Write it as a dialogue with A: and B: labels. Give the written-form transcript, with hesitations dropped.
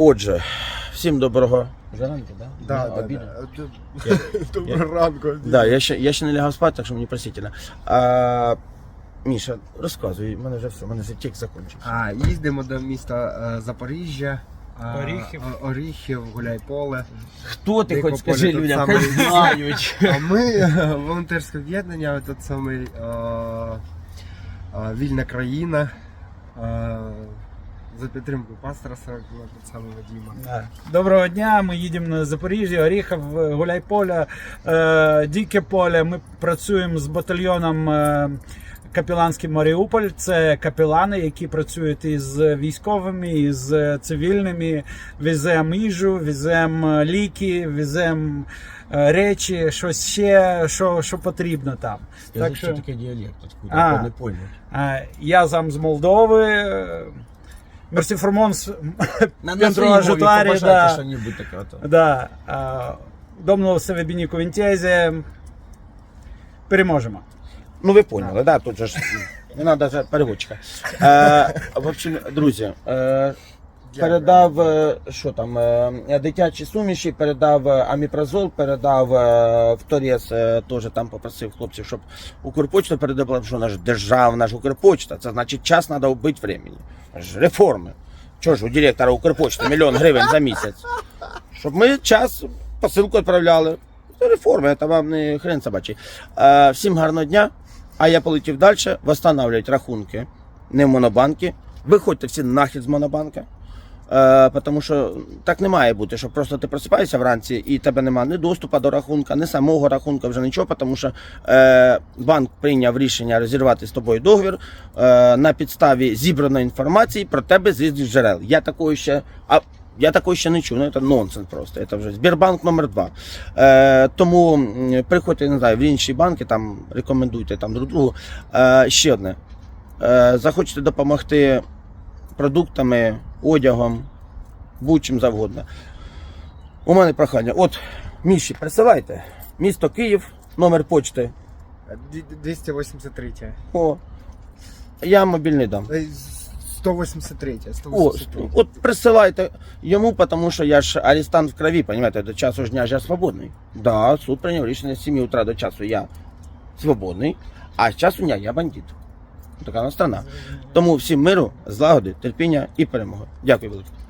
A: Отже, всім доброго ранку, да?
B: Да. Доброго ранку.
A: Да, я ще не лягав спати, так що мені простительно. Міша, розказуй, в мене вже все, в мене вже текст закінчився.
B: Їздимо до міста Запоріжжя. Оріхів, Гуляйполе.
A: Хто ти
B: Дико
A: хоч скажи
B: поле,
A: людям,
B: тут
A: хай
B: самий-
A: знають.
B: А ми волонтерське об'єднання, тут самий вільна країна. За підтримку пастора Сорокіна, тут саме Вадима.
C: Доброго дня, ми їдемо на Запоріжжя, Оріхів, Гуляйполе, Дике поле. Ми працюємо з батальйоном Капеланський Маріуполь. Це капелани, які працюють із військовими, із цивільними. Веземо їжу, веземо ліки, веземо речі, щось ще, що потрібно там.
A: Так що таке діалект, откуда, не поняв.
C: Я сам з Молдови. Мерсі Формонс,
A: Пентро Ажутарі,
C: да.
A: Що-нибудь таке.
C: Да. Домнул себе Бініку Вінтезі. Переможемо.
A: Ну ви поняли, да, тут же ж не треба вже переводчика. В общем, друзі, передав, що там, дитячі суміші, передав аміпразол, передав в Торез, теж там попросив хлопців, щоб Укрпочта передавала, що наш державна ж Укрпочта, це значить час треба вбити времени. Реформи. Чого ж у директора Укрпочти 1 000 000 гривень за місяць? Щоб ми час посилку відправляли. Це реформи, це вам не хрен собачий. Всім гарного дня. А я полетів далі, встановлювати рахунки не в Монобанки. Виходьте всі нахід з Монобанка. Тому що так не має бути, що просто ти просипаєшся вранці і тебе немає ні доступу до рахунка, ні самого рахунка, вже нічого, тому що банк прийняв рішення розірвати з тобою договір на підставі зібраної інформації про тебе з різних джерел. Я такого ще не чув, ну це нонсенс просто, це вже Сбербанк номер 2. Тому приходьте, не знаю, в інші банки, там рекомендуйте там друг другу. Ще одне, захочете допомогти продуктами, одягом, будь-чим завгодно. У мене прохання, от Міші, присилайте, місто Київ, номер почти.
B: 283.
A: О, я мобільний дам.
B: 183.
A: О, от присилайте йому, тому що я ж арестант в крові, розумієте, до часу ж дня ж я свободний. Да, суд прийняв рішення з 7 утра до часу я свободний, а з часу дня я бандит. Така у нас страна. Тому всім миру, злагоди, терпіння і перемоги. Дякую велике.